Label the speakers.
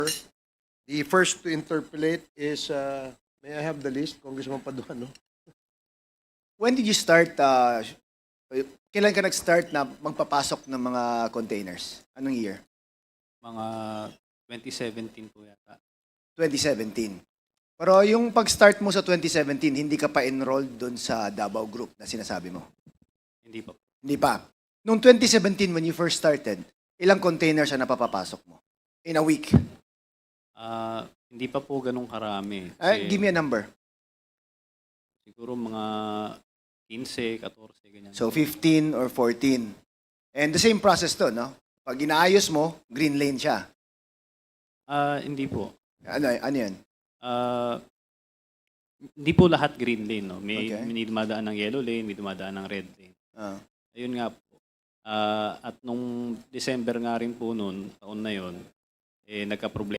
Speaker 1: The first to interpolate is, may I have the list, Congressman Paduano?
Speaker 2: When did you start, kailan ka nag-start na magpapasok ng mga containers? Anong year?
Speaker 3: Mga 2017 po yata.
Speaker 2: 2017. Pero yung pag-start mo sa 2017, hindi ka pa enrolled doon sa Davao Group na sinasabi mo?
Speaker 3: Hindi pa.
Speaker 2: Hindi pa. Noong 2017, when you first started, ilang containers ang napapapasok mo? In a week?
Speaker 3: Hindi pa po ganun karami.
Speaker 2: Give me a number.
Speaker 3: Siguro mga 15, 14, ganyan.
Speaker 2: So 15 or 14. And the same process to, no? Pag inaayos mo, green lane siya.
Speaker 3: Hindi po.
Speaker 2: Ano yan?
Speaker 3: Hindi po lahat green lane. No? May,
Speaker 2: Okay.
Speaker 3: may dumadaan ng yellow lane, may dumadaan ng red lane.
Speaker 2: Ah.
Speaker 3: Ayun nga po. At nung December nga rin po noon, taon na yon, nagka-problema